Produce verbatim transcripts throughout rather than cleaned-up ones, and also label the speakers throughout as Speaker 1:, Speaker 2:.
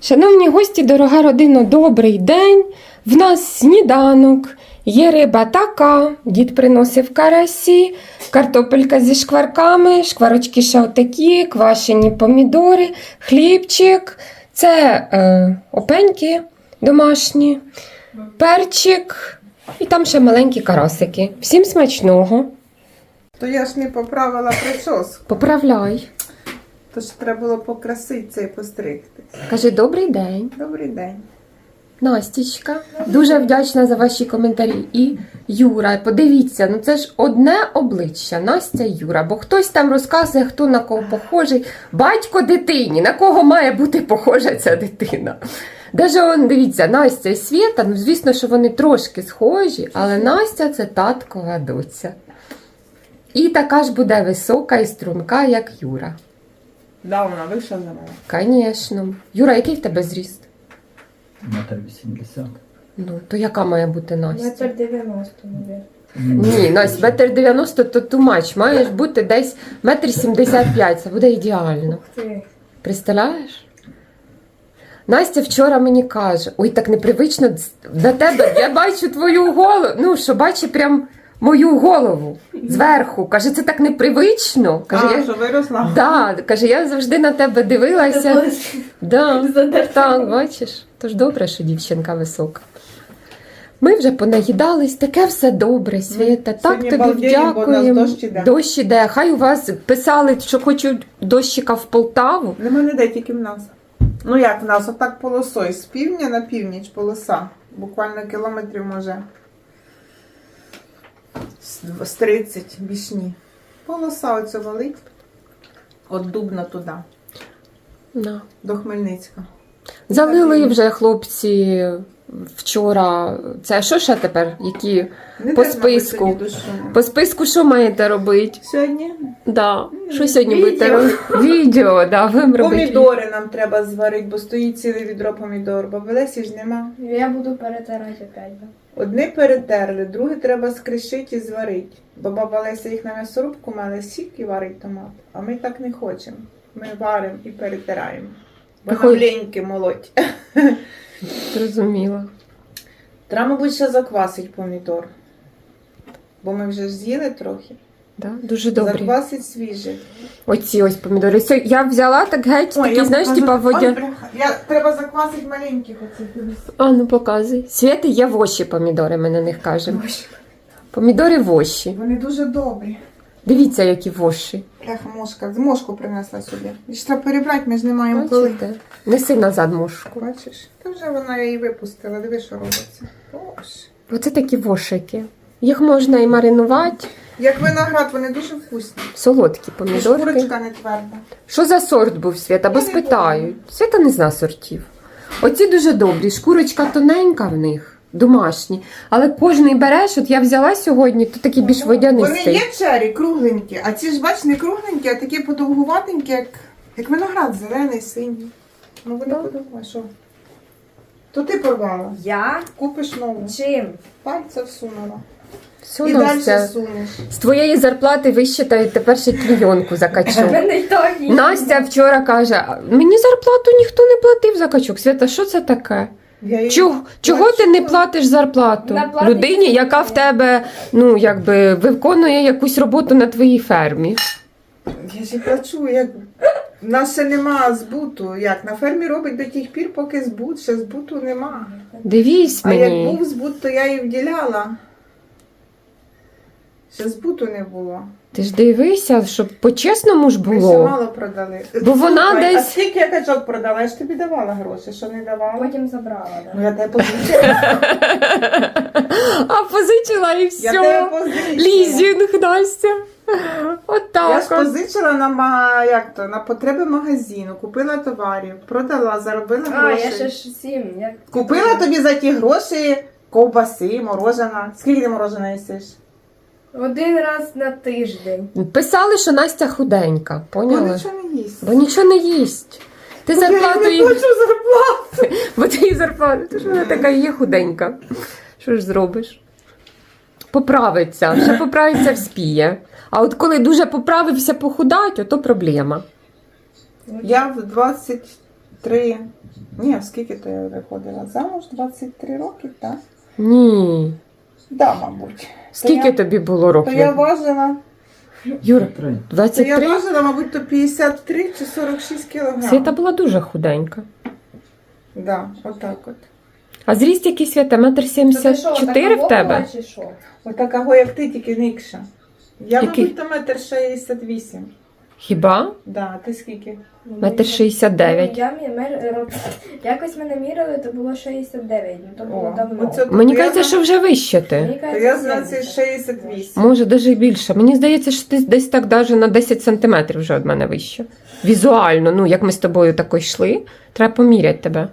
Speaker 1: Шановні гості, дорога родина, добрий день. В нас сніданок. Є риба така, дід приносив карасі, картопелька зі шкварками, шкварочки ще отакі, квашені помідори, хлібчик. Це е, опеньки домашні, перчик і там ще маленькі карасики. Всім смачного.
Speaker 2: То я ж не поправила прическу.
Speaker 1: Поправляй.
Speaker 2: Тож треба було покраситися і постригтись.
Speaker 1: Кажи добрий день.
Speaker 2: Добрий день.
Speaker 1: Настічка, дуже вдячна за ваші коментарі. І Юра, подивіться, ну це ж одне обличчя, Настя і Юра, бо хтось там розказує, хто на кого похожий. Батько дитині, на кого має бути похожа ця дитина. Даже он, дивіться, Настя і Свєта, ну звісно, що вони трошки схожі, але Настя це таткова доця. І така ж буде висока і струнка, як Юра.
Speaker 2: Да, вона вийшла за мене.
Speaker 1: Звісно. Юра, який в тебе зріст?
Speaker 3: Метр вісімдесят.
Speaker 1: Ну, то яка має бути Настя?
Speaker 4: Метр дев'яносто, мабуть.
Speaker 1: Ні, Настя, метр дев'яносто то тумач. Маєш бути десь метр сімдесят п'ять. Це буде ідеально.
Speaker 4: Ух ти.
Speaker 1: Представляєш? Настя вчора мені каже, ой, так непривично до тебе, я бачу твою голову, ну, що бачу прям мою голову зверху. Каже, це так непривично. Каже,
Speaker 2: А,
Speaker 1: я...
Speaker 2: що виросла?
Speaker 1: Да, каже, я завжди на тебе дивилася. Да, так, бачиш. Тож добре, що дівчинка висока. Ми вже понаїдались, таке все добре, Свєта. Так
Speaker 2: сьогодні
Speaker 1: тобі
Speaker 2: балдіємо, бо у нас
Speaker 1: вдякуємо.
Speaker 2: дощ іде.
Speaker 1: Дощ іде. Хай у вас писали, що хочуть дощика в Полтаву.
Speaker 2: Нема ніде, тільки в нас. Ну як в нас, отак полосою. З півдня на північ полоса. Буквально кілометрів може з- з тридцять, більш ні. Полоса оцю валить. От Дубна туди,
Speaker 1: На.
Speaker 2: до Хмельницька.
Speaker 1: Залили вже хлопці вчора. Це що ще тепер? Які
Speaker 2: Не
Speaker 1: по
Speaker 2: треба
Speaker 1: списку?
Speaker 2: сьогодні дощу.
Speaker 1: По списку що маєте робити?
Speaker 2: Сьогодні
Speaker 1: Да. Що сьогодні
Speaker 2: Відео.
Speaker 1: будете робити? Відео, да, будемо робити.
Speaker 2: помідори нам треба зварити, бо стоїть ціле відро помідор. Бо Лесі ж нема.
Speaker 4: Я буду перетирати опять. Да?
Speaker 2: Одне перетерли, друге треба скришити і зварити. Бо баба Леся їх на м'ясорубку мала сік і варить томат. А ми так не хочемо. Ми варимо і перетираємо. Бо нам
Speaker 1: Виходить-
Speaker 2: леньки молоть.
Speaker 1: Зрозуміла.
Speaker 2: Треба, мабуть, ще заквасить помідор. Бо ми вже ж з'їли трохи.
Speaker 1: Да? Дуже добре.
Speaker 2: Заквасить свіжий.
Speaker 1: Оці ось помідори. Сьо- Я взяла так геть,
Speaker 2: Ой,
Speaker 1: такі,
Speaker 2: я
Speaker 1: знаєш,
Speaker 2: покажу.
Speaker 1: типа
Speaker 2: Ой,
Speaker 1: водя.
Speaker 2: бляха. Я, треба заквасити маленьких оцих. дивись.
Speaker 1: А, ну показуй. Свєти є воші помідори, ми на них кажемо. Помідори воші.
Speaker 2: Вони дуже добрі.
Speaker 1: Дивіться, які воші.
Speaker 2: Бляха, мошка. З мошку принесла сюди. І ж треба перебрати, ми ж не маємо коли.
Speaker 1: Бачите? Неси назад мошку.
Speaker 2: Бачиш? Та вже вона її випустила. Диви, що робиться. Боже.
Speaker 1: Оце такі вошики. Їх можна і маринувати.
Speaker 2: Як виноград, вони дуже вкусні.
Speaker 1: Солодкі
Speaker 2: І
Speaker 1: помідорки.
Speaker 2: шкурочка не тверда.
Speaker 1: Що за сорт був, Свята? Бо
Speaker 2: Я не
Speaker 1: спитають. Свята не зна сортів. Оці дуже добрі. Шкурочка тоненька в них, домашні. Але кожний береш, от я взяла сьогодні, то такий більш
Speaker 2: Вони
Speaker 1: водянистий.
Speaker 2: є чері, кругленькі, а ці ж, бач, не кругленькі, а такі подовгуватенькі, як, як виноград, зелений, синій. Ну вони
Speaker 1: Так.
Speaker 2: подовгуваті, що? То ти порвала.
Speaker 4: Я?
Speaker 2: Купиш нову.
Speaker 4: Чим?
Speaker 2: Пальця всунула.
Speaker 1: Все,
Speaker 2: І
Speaker 1: Настя,
Speaker 2: далі сунеш.
Speaker 1: з твоєї зарплати вищитають, тепер ще клійонку закачу.
Speaker 4: Мене й так і-
Speaker 1: Настя вчора каже, «А мені зарплату ніхто не платив за качок. Свята, що це таке?
Speaker 2: Я їй
Speaker 1: Чого, чого ти не
Speaker 2: плачу.
Speaker 1: платиш зарплату
Speaker 4: Вона платить
Speaker 1: людині,
Speaker 4: за
Speaker 1: яка в тебе, ну, якби, виконує якусь роботу на твоїй фермі?
Speaker 2: Я ж і плачу, як... В нас ще нема збуту. Як? На фермі робить до тих пір, поки збут, ще збуту нема.
Speaker 1: Дивись
Speaker 2: А як
Speaker 1: мені.
Speaker 2: був збут, то я її вділяла. Ще збуту не було.
Speaker 1: Ти ж дивися, щоб по-чесному ж
Speaker 2: Ми ще
Speaker 1: було.
Speaker 2: мало продали.
Speaker 1: Бо вона
Speaker 2: Слухай,
Speaker 1: десь-
Speaker 2: А скільки я качок продала? Я ж тобі давала гроші, що не давала?
Speaker 4: Потім забрала,
Speaker 2: Ну
Speaker 4: да.
Speaker 2: я тебе позичила.
Speaker 1: А позичила і
Speaker 2: Я
Speaker 1: все.
Speaker 2: тебе позичила.
Speaker 1: Лізінг, Настя. От
Speaker 2: Я ж
Speaker 1: так. от.
Speaker 2: позичила на, ма- як то, на потреби магазину, купила товарів, продала, заробила
Speaker 4: А,
Speaker 2: гроші.
Speaker 4: я ще ж сім. Я...
Speaker 2: Купила тобі за ті гроші ковбаси, морожена. Скільки ти морожена їсиш?
Speaker 4: Один раз на тиждень.
Speaker 1: Писали, що Настя худенька,
Speaker 2: Бо
Speaker 1: поняла?
Speaker 2: нічого не їсть.
Speaker 1: Бо нічого не їсть. Ти зарплату
Speaker 2: Я
Speaker 1: їй...
Speaker 2: не хочу зарплату.
Speaker 1: Бо ти їй зарплату, ти ж вона така і є худенька. Що ж зробиш? Поправиться, ще поправиться вспіє. А от коли дуже поправився похудать, ото проблема.
Speaker 2: Я в двадцять три Ні, скільки то я виходила? Замуж двадцять три роки, так?
Speaker 1: Ні.
Speaker 2: Да, мабуть.
Speaker 1: Скільки
Speaker 2: то я,
Speaker 1: тобі було
Speaker 2: то
Speaker 1: років?
Speaker 2: я важила,
Speaker 1: Юра,
Speaker 3: Три.
Speaker 2: то
Speaker 1: двадцять
Speaker 2: я
Speaker 1: три?
Speaker 2: важила, мабуть, то п'ятдесят три чи сорок шість кілограм.
Speaker 1: Свята була дуже худенька.
Speaker 2: Да, отак от.
Speaker 1: А зріст який, Свята? Метр сімдесят чотири в тебе?
Speaker 4: Чи що?
Speaker 2: Отакого, як ти, тільки никша. Я,
Speaker 1: Який?
Speaker 2: мабуть, то метр шістдесят вісім.
Speaker 1: Хіба?
Speaker 2: Да, ти скільки?
Speaker 1: Метр шістдесят дев'ять.
Speaker 4: Я, мі- мер- роб- якось мене міряли, то було шістдесят дев'ять, ну то було
Speaker 2: О,
Speaker 4: давно.
Speaker 2: оце-
Speaker 1: Мені
Speaker 2: Я
Speaker 1: кажеться,
Speaker 2: знаю.
Speaker 1: що вже вище ти.
Speaker 4: Мені
Speaker 2: То
Speaker 4: кажеться,
Speaker 2: я знаю, це
Speaker 4: сімдесят.
Speaker 2: шістдесят вісім.
Speaker 1: Може, навіть більше. Мені здається, що ти десь так даже на десять сантиметрів вже від мене вище. Візуально, ну, як ми з тобою тако йшли, треба поміряти тебе.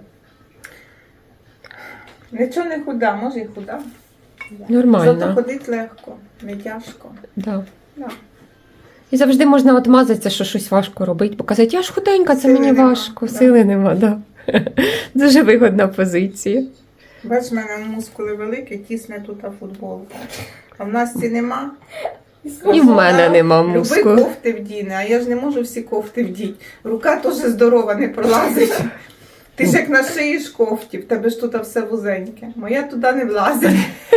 Speaker 2: Нічого не худа, може і худа. Зато
Speaker 1: Нормально.
Speaker 2: ходить легко, не тяжко.
Speaker 1: Да.
Speaker 2: Да.
Speaker 1: І завжди можна отмазатися, що щось важко робити, бо казати, я ж худенька, це
Speaker 2: Сили
Speaker 1: мені
Speaker 2: нема,
Speaker 1: важко,
Speaker 2: да.
Speaker 1: сили нема. Да. Дуже вигодна позиція.
Speaker 2: Бач, в мене мускули великі, тісне тут футболка. А в нас ці нема.
Speaker 1: І в мене нема
Speaker 2: Люби
Speaker 1: мускул.
Speaker 2: кофти вдіне, а я ж не можу всі кофти вдіти. Рука теж здорова, не пролазить. Ти ж як нашиєш кофті, в тебе ж тут все вузеньке. Моя туди не влазить.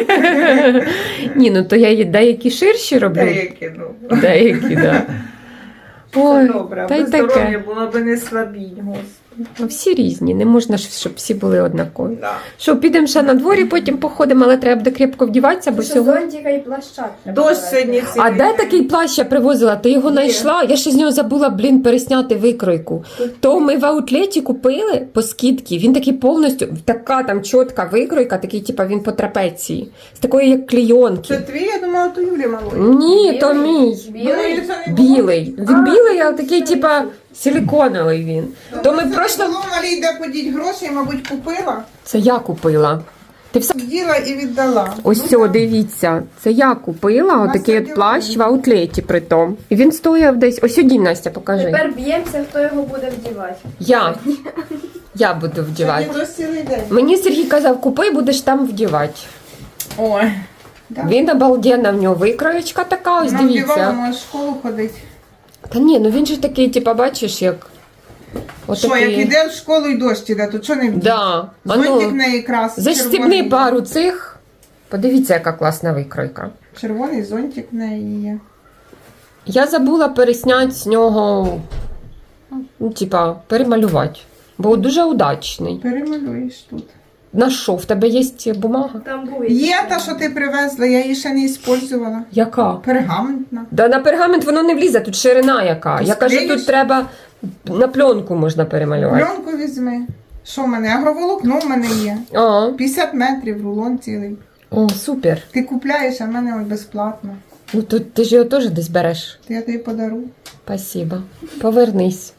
Speaker 1: Ні, ну то я її деякі ширші роблю.
Speaker 2: Деякі, ну.
Speaker 1: Деякі, да.
Speaker 2: Це
Speaker 1: Ой,
Speaker 2: добре,
Speaker 1: та й
Speaker 2: аби здоров'я
Speaker 1: таке.
Speaker 2: було б не слабінь, господи.
Speaker 1: Ну, всі різні, не можна, ж, щоб всі були однакові.
Speaker 2: Да.
Speaker 1: Що, підемо ще на дворі, потім походимо, але треба буде крепко вдіватися, бо
Speaker 4: Що
Speaker 1: сьогодні...
Speaker 4: зонтика і плаща.
Speaker 2: Дощ сьогодні
Speaker 1: А
Speaker 2: цілий
Speaker 1: де
Speaker 2: день.
Speaker 1: такий плащ я привозила? Ти його
Speaker 2: Є.
Speaker 1: знайшла? Я ще з нього забула, блін, пересняти викройку. То ми в аутлеті купили по скидці. Він такий повністю, така там чітка викройка, такий, типа він по трапеції. З такої, як
Speaker 2: Це
Speaker 1: клейонки.
Speaker 2: твій, я думала, то Юлі малої.
Speaker 1: Ні, то мій.
Speaker 2: Думаю, це не було.
Speaker 1: Білий. Він білий, але такий, типа, силіконовий він. То ми
Speaker 2: Це
Speaker 1: просто...
Speaker 2: було, малій, де подіть гроші, мабуть, купила,
Speaker 1: Це я купила. Ти все...
Speaker 2: вділа і віддала.
Speaker 1: Ось
Speaker 2: Ну,
Speaker 1: все,
Speaker 2: так.
Speaker 1: дивіться. Це я купила
Speaker 2: Настя
Speaker 1: отакий от
Speaker 2: ділила.
Speaker 1: плащ в аутлеті притом. І він стояв десь. Ось сюди, Настя, покажи.
Speaker 4: Тепер б'ємося, хто його буде вдівати.
Speaker 1: Я. Я буду вдівати.
Speaker 2: Сьогодні дощ цілий день.
Speaker 1: Мені Сергій казав, купи, будеш там вдівати.
Speaker 2: Ой. Да.
Speaker 1: Він обалденна, в нього викроєчка така, ось
Speaker 2: Нам вдівала,
Speaker 1: дивіться.
Speaker 2: може в школу ходить.
Speaker 1: Та ні, ну він же такий, типа, бачиш, як.
Speaker 2: Що, як
Speaker 1: Отакий.
Speaker 2: іде в школу і дощ іде, то чого не вдіти?
Speaker 1: Да. А
Speaker 2: Зонтик
Speaker 1: ну,
Speaker 2: неї крас.
Speaker 1: застібни
Speaker 2: червоний.
Speaker 1: пару цих. Подивіться, яка класна викройка.
Speaker 2: Червоний зонтик в неї є.
Speaker 1: Я забула пересняти з нього, ну, типа, перемалювати. Бо дуже удачний.
Speaker 2: Перемалюєш тут.
Speaker 1: На що? В тебе є бумага?
Speaker 4: Там буде.
Speaker 2: Є та, що ти привезла, я її ще не використовувала.
Speaker 1: Яка?
Speaker 2: Пергаментна.
Speaker 1: Да на пергамент воно не влізе, тут ширина яка.
Speaker 2: Ти
Speaker 1: Я кажу,
Speaker 2: склеїш?
Speaker 1: тут треба на пленку можна перемалювати.
Speaker 2: Пленку візьми. Що в мене? Агроволокно в мене є.
Speaker 1: А,
Speaker 2: п'ятдесят метрів, рулон цілий.
Speaker 1: о, супер.
Speaker 2: Ти купляєш, а в мене от безплатно.
Speaker 1: Ну тут ти ж його теж десь береш.
Speaker 2: То я тобі подару.
Speaker 1: Спасибо. Повернись.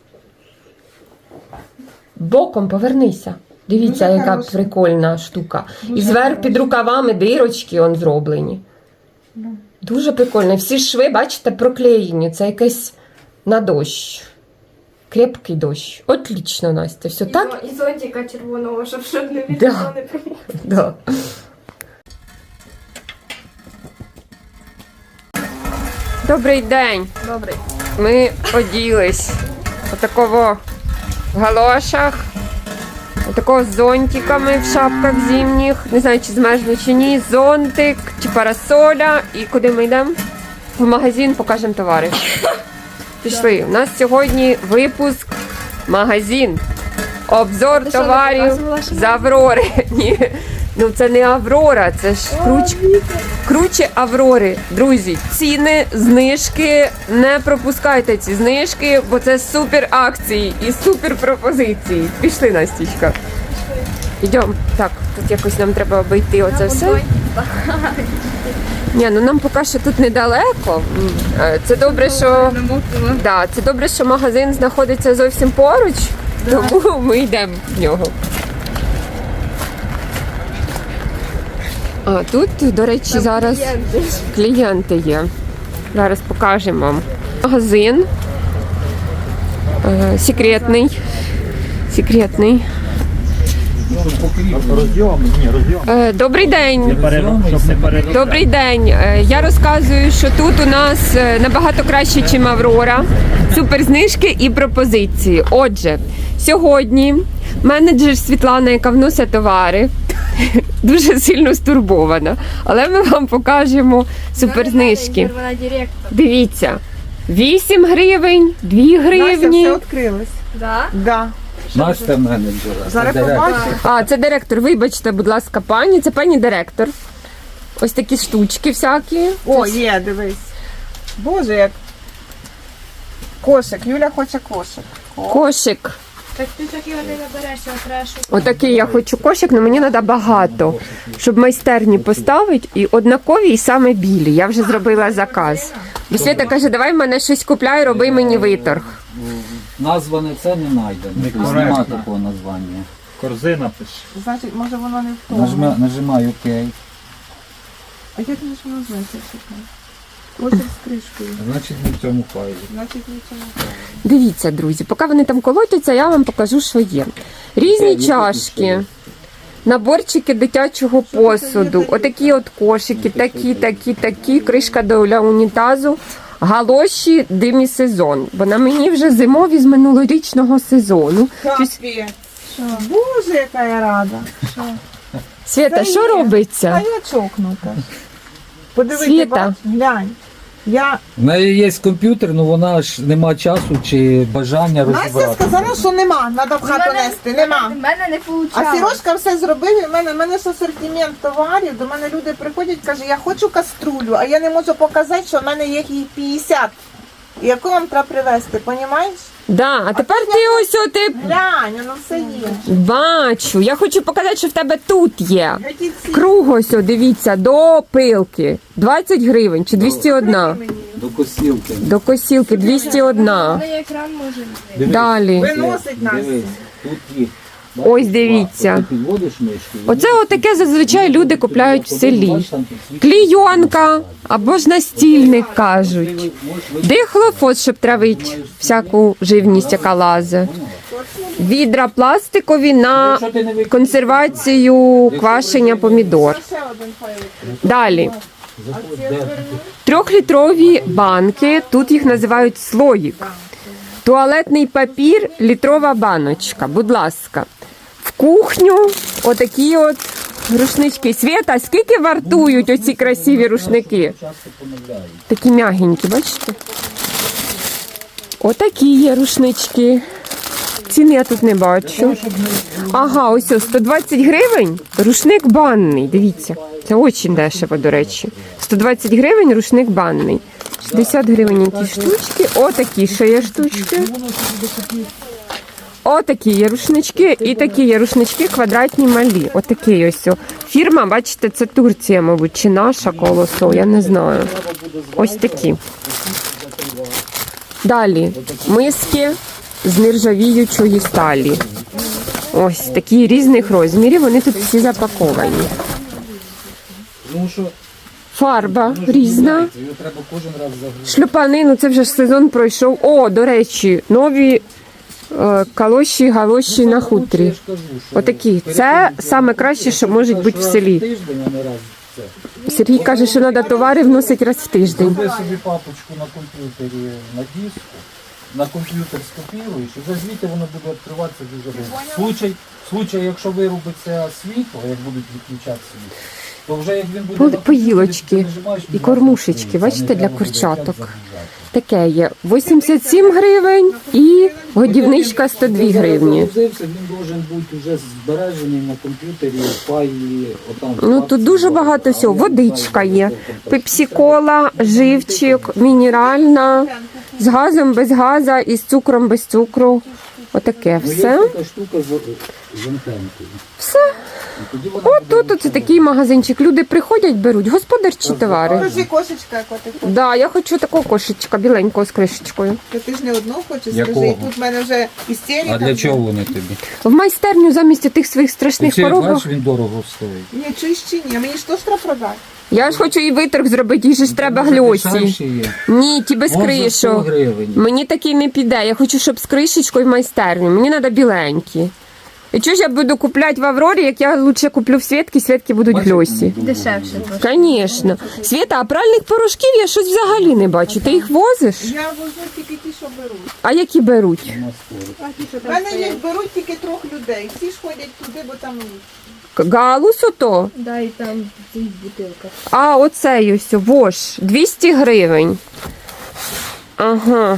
Speaker 1: Боком повернися. Дивіться,
Speaker 2: Дуже
Speaker 1: яка
Speaker 2: хороша.
Speaker 1: прикольна штука.
Speaker 2: Дуже
Speaker 1: І зверх
Speaker 2: хороша.
Speaker 1: під рукавами дирочки он зроблені.
Speaker 2: Да.
Speaker 1: Дуже прикольно. Всі шви, бачите, проклеєні. Це якесь на дощ. Крепкий дощ. Отлично, Настя. Все
Speaker 4: І,
Speaker 1: так?
Speaker 4: зо- і зонтика червоного, щоб щоб не
Speaker 1: Да.
Speaker 4: відео не промов.
Speaker 1: Да. Добрий день.
Speaker 4: Добре.
Speaker 1: Ми оділись. Отакого в галошах. Отакого з зонтиками в шапках зимніх. Не знаю, чи змерзли чи ні. Зонтик чи парасоля. І куди ми йдемо? В магазин покажемо товари. Пішли. У нас сьогодні випуск магазин. Обзор
Speaker 4: Ти що, не
Speaker 1: товарів
Speaker 4: показувала, що
Speaker 1: з Аврори. Ні. Ну це не Аврора, це ж круч... круче Аврори. Друзі, ціни, знижки. Не пропускайте ці знижки, бо це супер акції і супер пропозиції. Пішли, Настічка. Йдемо. Так, тут якось нам треба обійти оце все. Ні, ну нам поки що тут недалеко. М, е, Це добре, що да, це добре, що магазин знаходиться зовсім поруч, тому ми йдемо в нього. А тут, до речі, зараз клієнти є. Зараз покажемо вам. Магазин. Е, секретний. Секретний.
Speaker 3: Розйом? Ні, розйом.
Speaker 1: Е, добрий день.
Speaker 3: Щоб не переробляти.
Speaker 1: Добрий день. Е, Я розказую, що тут у нас е, набагато краще, ніж Аврора. Супер знижки і пропозиції. Отже, Сьогодні менеджер Світлана, яка вносить товари, дуже сильно стурбована. Але ми вам покажемо суперзнижки.
Speaker 4: Вона директор.
Speaker 1: Дивіться, вісім гривень, дві
Speaker 2: Настя,
Speaker 1: гривні.
Speaker 2: все відкрилось.
Speaker 4: Да?
Speaker 2: Да.
Speaker 3: Настя менеджера.
Speaker 2: Зараз
Speaker 3: це директор.
Speaker 2: побачиш.
Speaker 1: А, це директор. Вибачте, будь ласка, пані. Це пані директор. Ось такі штучки всякі.
Speaker 2: О, є, дивись. Боже, як. Кошик. Юля хоче кошик.
Speaker 1: Кошик.
Speaker 4: Так ти такі вони не береш, а треба шукати.
Speaker 1: Отакий я хочу кошик, але мені треба багато, щоб майстерні поставити і однакові, і саме білі. Я вже зробила заказ. Бо Свята каже, давай в мене щось купляй, роби мені виторг.
Speaker 3: Назва не це не знайдено.
Speaker 5: Некоректно.
Speaker 3: Нема такого названня.
Speaker 5: Корзина пише.
Speaker 2: Значить, може воно не в тому.
Speaker 3: Нажми, нажимай ОК.
Speaker 2: А як же ж воно значить? Кошик з кришкою.
Speaker 3: Значить не в цьому файлі.
Speaker 2: Значить, нічого не треба.
Speaker 1: Дивіться, друзі, поки вони там колотяться, я вам покажу, що є. Різні чашки, наборчики дитячого посуду, отакі от кошики, такі, такі, такі, кришка для унітазу, галоші демісезон. Бо на мені вже зимові з минулорічного сезону. Щось-
Speaker 2: Капі. Боже, яка я рада.
Speaker 1: Свята,
Speaker 2: Це
Speaker 1: що
Speaker 2: є. А
Speaker 1: робиться?
Speaker 2: я чокнута. Подивися,
Speaker 1: Світа.
Speaker 2: бач, глянь. Я...
Speaker 3: В неї є комп'ютер, але вона ж нема часу чи бажання
Speaker 2: Настя
Speaker 3: розібрати.
Speaker 2: сказала, що нема, треба в хату нести, нема.
Speaker 4: В мене не вийшло.
Speaker 2: А Сірошка все зробив, і в мене, в мене ж асортимент товарів, до мене люди приходять, кажуть, я хочу каструлю, а я не можу показати, що в мене є їх п'ятдесят. І яку вам треба привезти, понімаєш?
Speaker 1: Да, а тепер ти ось о, ти
Speaker 2: Глянь, воно все є.
Speaker 1: бачу. Я хочу показати, що в тебе тут є.
Speaker 2: Які ці
Speaker 1: Круг ось, о, дивіться, до пилки. двадцять гривень чи двісті один.
Speaker 3: До косілки.
Speaker 1: До косілки двісті один.
Speaker 4: Мене екран може бути.
Speaker 3: Дивись,
Speaker 1: Далі.
Speaker 2: виносить Настя.
Speaker 3: Дивись, тут їх.
Speaker 1: Ось дивіться.
Speaker 3: Ти підводиш мишки.
Speaker 1: Оце отаке зазвичай люди купляють в селі. Клійонка або ж настільник кажуть. Дихлофос, щоб травити всяку живність, яка лазе. Відра пластикові на консервацію квашення помідор.
Speaker 2: Ще один файл відкрив.
Speaker 1: Далі. Трьохлітрові банки, тут їх називають слоїк. Туалетний папір, літрова баночка, будь ласка. В кухню отакі от рушнички. Свята, скільки вартують оці красиві рушники? Такі м'ягенькі, бачите? Отакі є рушнички. Ціни я тут не бачу. Ага, ось ось сто двадцять гривень. Рушник банний. Дивіться. Це дуже дешево, до речі. сто двадцять гривень рушник банний. шістдесят гривень якісь штучки. Отакі ще є штучки. Отакі є рушнички. І такі є рушнички квадратні малі. Отакий ось. о. Фірма, бачите, це Турція, мабуть, чи наша колосо, я не знаю. Ось такі. Далі. Миски з нержавіючої сталі. Ось такі різних розмірів, вони тут всі запаковані.
Speaker 3: Тому що
Speaker 1: Фарба різна.
Speaker 3: його треба кожен раз загрузити.
Speaker 1: Шлюпани, ну це вже ж сезон пройшов. О, до речі, нові е, калоші, галоші на хутрі.
Speaker 3: Я ж кажу, що
Speaker 1: Отакі. Це саме краще, що може бути в селі.
Speaker 3: Тиждень, а не раз це.
Speaker 1: Сергій каже, що треба товари вносити раз в тиждень.
Speaker 3: Зроби собі папочку на комп'ютері на диску, на комп'ютер скопіруєш, і вже звідти воно буде відкриватися дуже довго. В случай, в случай, якщо вирубиться світло, як будуть відключати світло, то вже як він буде
Speaker 1: По-
Speaker 3: на комп'ютері,
Speaker 1: поїлочки
Speaker 3: ти нажимаєш,
Speaker 1: і
Speaker 3: він
Speaker 1: кормушечки,
Speaker 3: відкриється,
Speaker 1: бачите,
Speaker 3: не
Speaker 1: для
Speaker 3: треба буде
Speaker 1: курчаток.
Speaker 3: прямо загружати.
Speaker 1: Таке є вісімдесят сім гривень і годівничка сто дві гривні.
Speaker 3: Загрузився, він должен бути вже збережений на комп'ютері, в файлі, отам.
Speaker 1: Ну тут дуже багато всього. Водичка є, пепсі-кола, живчик, мінеральна, з газом без газа і з цукром без цукру. Отаке
Speaker 3: Ну, є
Speaker 1: все.
Speaker 3: така штука з, з антенкою.
Speaker 1: Все.
Speaker 3: І тоді вона
Speaker 1: От
Speaker 3: буде
Speaker 1: тут оце такий магазинчик. Люди приходять, беруть господарчі товари.
Speaker 2: Покажи кошечка, яку ти хочеш.
Speaker 1: Да, я хочу такого кошечка біленького з кришечкою.
Speaker 2: То ти ж не одну хочеш,
Speaker 3: Якого?
Speaker 2: скажи, і тут в мене вже істерика.
Speaker 3: А для чого вони тобі?
Speaker 1: В майстерню замість тих своїх страшних
Speaker 3: Ти
Speaker 1: коробок.
Speaker 3: бачиш, він дорого стоїть.
Speaker 2: Ні, чуєш чи ні? Мені ж теж треба продати.
Speaker 1: Я ж хочу і виторг зробити, їй же ж треба гльосі.
Speaker 3: Дешевші є.
Speaker 1: Ні, ті без
Speaker 3: Може, сто
Speaker 1: кришок.
Speaker 3: гривень.
Speaker 1: Мені такий не піде. Я хочу, щоб з кришечкою в майстерню. Мені треба біленькі. І чого ж я буду купляти в Аврорі, як я лучше куплю в Свєтки, Свєтки будуть
Speaker 3: Бачиш,
Speaker 1: гльосі.
Speaker 3: вони
Speaker 4: Дешевше
Speaker 3: дорого.
Speaker 4: трошки.
Speaker 1: Звісно. Свєта, а пральних порошків я щось взагалі не бачу. Ти їх возиш?
Speaker 2: Я возьму тільки ті, що що беруть.
Speaker 1: А які беруть?
Speaker 3: На скору.
Speaker 2: В мене їх беруть тільки трьох людей. Всі ж ходять туди, бо там
Speaker 1: Галус ото?
Speaker 4: Да, і там в цих бутилках.
Speaker 1: А, оцей ось, вош, двісті гривень. Ага.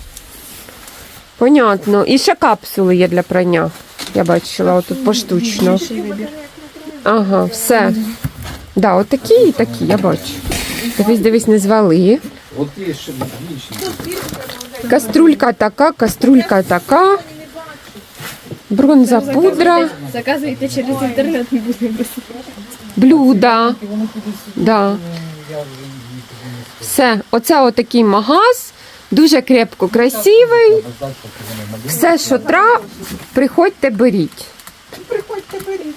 Speaker 1: Понятно. І ще капсули є для прання. Я бачила, отут поштучно. Ага, все. Да, отакі і такі, я бачу. Дивись, дивись, не звали.
Speaker 3: От є ще більші.
Speaker 1: Каструлька така, каструлька така. Бронза пудра.
Speaker 4: Заказуйте через інтернет, не будемо без.
Speaker 1: Блюда.
Speaker 3: Вони кудись,
Speaker 1: Да.
Speaker 3: е, я вже її туди не скажу.
Speaker 1: Все, оце отакий магаз. Дуже крепко красивий. Все, що треба, приходьте, беріть.
Speaker 2: приходьте беріть.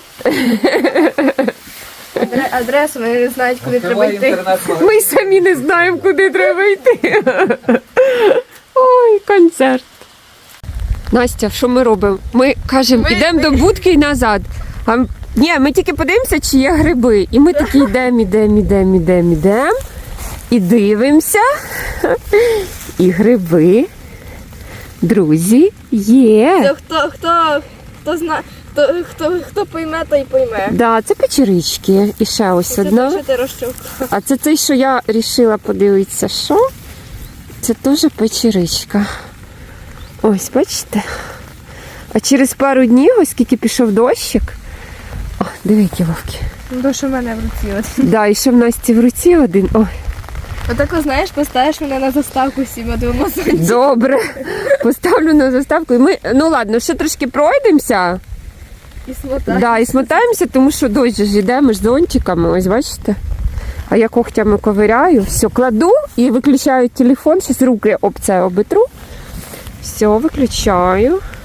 Speaker 4: Адре- Адресу вони не знають, куди треба
Speaker 3: Відкривай
Speaker 4: йти.
Speaker 3: інтернет-магазин.
Speaker 1: Ми самі не знаємо, куди треба йти. Ой, концерт. Настя, що ми робимо? Ми кажемо,
Speaker 4: Ми-
Speaker 1: йдемо до будки і назад. А, м- ні, ми тільки подивимося, чи є гриби. І ми такі йдемо, йдемо, йдемо, йдемо, йдемо. І дивимося. І гриби, друзі, є.
Speaker 4: То Хто, хто, хто зна, хто, хто, хто пойме, той пойме.
Speaker 1: Да, це печерички. І ще ось
Speaker 4: Це
Speaker 1: одна.
Speaker 4: те, що ти розчовка.
Speaker 1: А це той, що я вирішила подивитися, що? Це теж печеричка. Ось, бачите? А через пару днів, оскільки пішов дощик. О, диви, які вовки.
Speaker 4: Ну, то, що в мене в руці. От.
Speaker 1: Да, і ще в Насті в руці один. Ой,
Speaker 4: Отако, знаєш, поставиш мене на заставку всіма двома сонцями.
Speaker 1: добре. Поставлю на заставку. І ми, ну ладно, ще трошки пройдемося.
Speaker 4: І смотаєш.
Speaker 1: Да, і смотаємося, тому що дощ же ж йде, ми ж зонтиками, ось бачите. А я когтями ковиряю, все, кладу і виключаю телефон, зараз руки об це обетру. Все, виключаю.